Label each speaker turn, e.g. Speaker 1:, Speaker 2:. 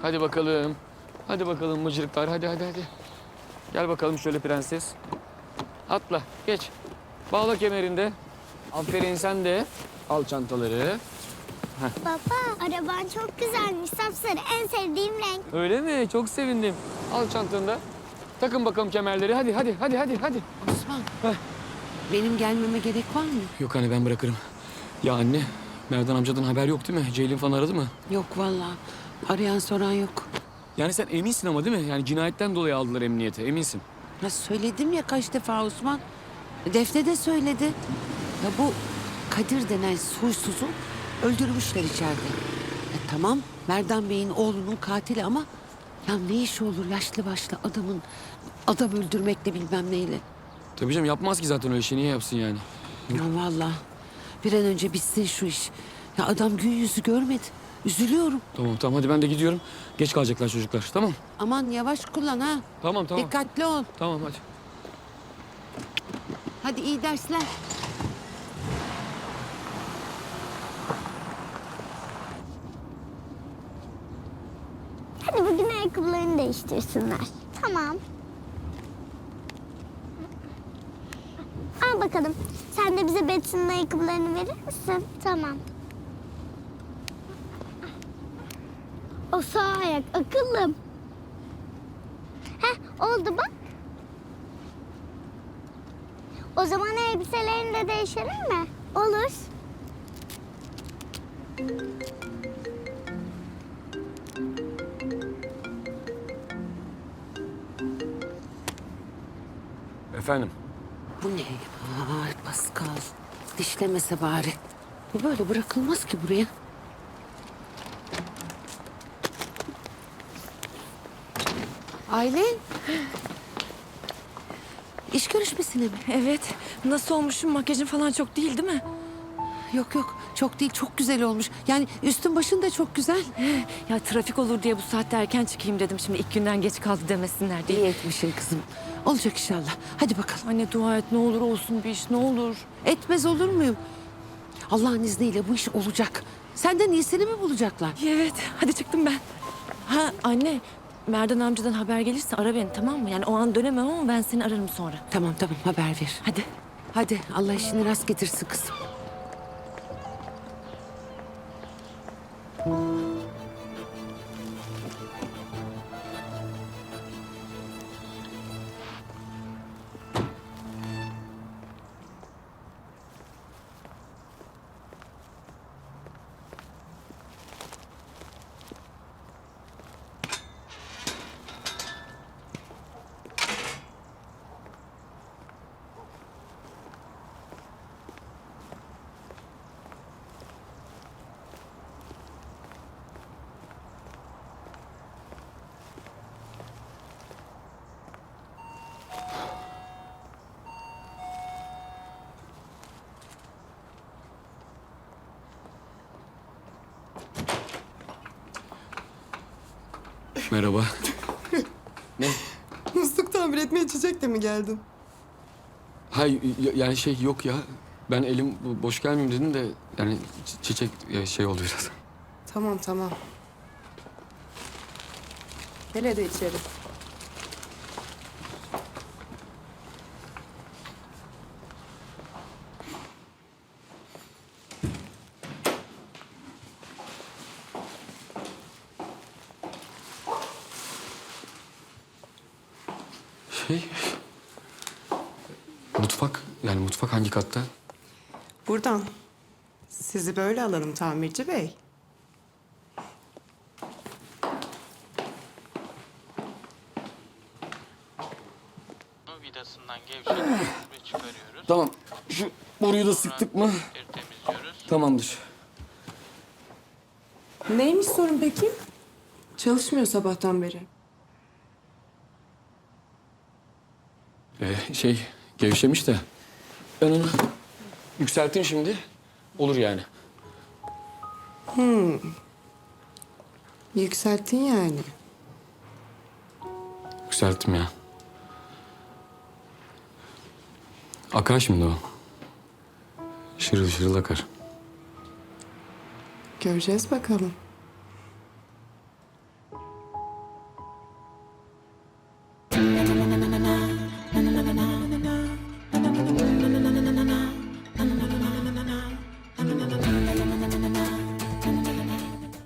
Speaker 1: Hadi bakalım. Hadi bakalım mıcırıklar. Hadi. Gel bakalım şöyle prenses. Atla, geç. Bağla kemerinde. Aferin sen de. Al çantaları.
Speaker 2: Baba, araban çok güzelmiş. Sapsarı, en sevdiğim renk.
Speaker 1: Öyle mi? Çok sevindim. Al çantanı da. Takın bakalım kemerleri. Hadi.
Speaker 3: Osman,
Speaker 1: Heh.
Speaker 3: benim gelmeme gerek var mı?
Speaker 1: Yok anne, ben bırakırım. Ya anne, Merdan amcadan haber yok değil mi? Ceylin falan aradı mı?
Speaker 3: Yok vallahi. Arayan soran yok.
Speaker 1: Yani sen eminsin ama değil mi? Yani cinayetten dolayı aldılar emniyete, eminsin.
Speaker 3: Ya söyledim ya kaç defa Osman. Defne de söyledi. Ya bu Kadir denen soysuzu öldürmüşler içeride. Tamam Merdan Bey'in oğlunun katili ama... Ya ne işi olur yaşlı başlı adamın adam öldürmekle bilmem neyle.
Speaker 1: Tabii canım, yapmaz ki zaten öyle şey. Niye yapsın yani?
Speaker 3: Ya vallahi bir an önce bitsin şu iş. Ya adam gün yüzü görmedi. Üzülüyorum.
Speaker 1: Tamam hadi ben de gidiyorum. Geç kalacaklar çocuklar, tamam.
Speaker 3: Aman yavaş kullan ha.
Speaker 1: Tamam.
Speaker 3: Dikkatli ol.
Speaker 1: Tamam hadi.
Speaker 3: Hadi iyi dersler.
Speaker 2: Hadi bugün ayakkabılarını değiştirsinler. Tamam. Al bakalım. Sen de bize Betsy'nin ayakkabılarını verir misin? Tamam. O sağ ayak akıllım. Heh, oldu bak. O zaman elbiselerini de değişelim mi? Olur.
Speaker 1: Efendim?
Speaker 3: Bu ne? Ay Pascal. Dişlemese bari. Bu böyle bırakılmaz ki buraya. Aylin. İş görüşmesine mi?
Speaker 4: Evet. Nasıl olmuşum? Makyajın falan çok değil mi?
Speaker 3: Yok çok değil çok güzel olmuş. Yani üstün başın da çok güzel.
Speaker 4: Ya trafik olur diye bu saatte erken çıkayım dedim. Şimdi ilk günden geç kaldı demesinler diye.
Speaker 3: İyi etmişsin kızım. Olacak inşallah. Hadi bakalım.
Speaker 4: Anne dua et ne olur olsun bir iş ne olur.
Speaker 3: Etmez olur muyum? Allah'ın izniyle bu iş olacak. Senden iyisini mi bulacaklar?
Speaker 4: Evet hadi çıktım ben. Ha anne Merdan amcadan haber gelirse ara beni tamam mı? Yani o an dönemem ama ben seni ararım sonra.
Speaker 3: Tamam haber ver.
Speaker 4: Hadi.
Speaker 3: Hadi Allah işini rast getirsin kızım.
Speaker 1: Merhaba. Ne?
Speaker 5: Musluk tamir etmeye içecekle mi geldin?
Speaker 1: Hay yani şey yok ya. Ben elim boş gelmeyeyim dedim de yani çiçek şey oldu biraz.
Speaker 5: Tamam. Gel hadi içeri.
Speaker 1: Şey... Mutfak hangi katta?
Speaker 5: Buradan. Sizi böyle alalım tamirci bey.
Speaker 6: Vidasından gevşetiyoruz ve çıkarıyoruz.
Speaker 1: Tamam. Şu boruyu da sıktık mı?
Speaker 6: Temizliyoruz.
Speaker 1: Tamamdır.
Speaker 5: Neymiş sorun peki? Çalışmıyor sabahtan beri.
Speaker 1: Gevşemiş de. Ben onu yükselteyim şimdi. Olur yani.
Speaker 5: Yükselttin yani.
Speaker 1: Yükselttim ya. Akar şimdi o. Şırıl şırıl akar.
Speaker 5: Göreceğiz bakalım.